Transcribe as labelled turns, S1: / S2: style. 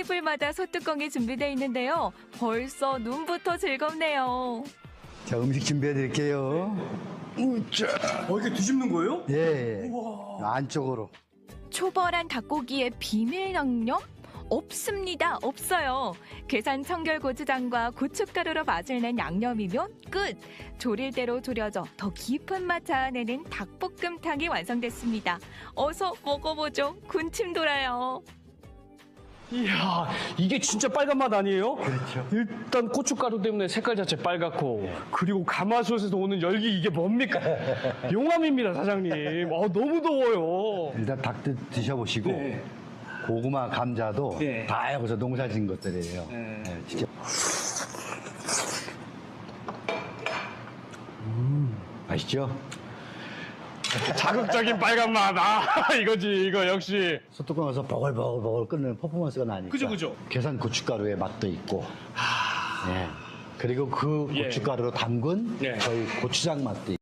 S1: 테이블마다 소뚜껑이 준비되어 있는데요. 벌써 눈부터 즐겁네요.
S2: 자, 음식 준비해 드릴게요. 우짜.
S3: 이렇게 뒤집는 거예요?
S2: 예. 안쪽으로.
S1: 초벌한 닭고기의 비밀 양념? 없습니다. 없어요. 계산 청결 고추장과 고춧가루로 맛을 낸 양념이면 끝. 조릴 대로 졸여져 더 깊은 맛 자아내는 닭볶음탕이 완성됐습니다. 어서 먹어보죠. 군침 돌아요.
S3: 이야, 이게 진짜 빨간 맛 아니에요?
S2: 그렇죠.
S3: 일단 고춧가루 때문에 색깔 자체 빨갛고, 그리고 가마솥에서 오는 열기 이게 뭡니까? 용암입니다, 사장님. 너무 더워요.
S2: 일단 닭 드셔보시고
S3: 네.
S2: 고구마, 감자도
S3: 네.
S2: 다 여기서 농사진 것들이에요.
S3: 네.
S2: 네, 진짜. 맛있죠?
S3: 자극적인 빨간 맛. 이거지, 이거 역시.
S2: 소뚜껑에서 버글버글 끓는 퍼포먼스가 나니까.
S3: 그죠.
S2: 계산 고춧가루의 맛도 있고. 예. 그리고 그
S3: 예.
S2: 고춧가루로 담근
S3: 예.
S2: 저희 고추장 맛도 있고.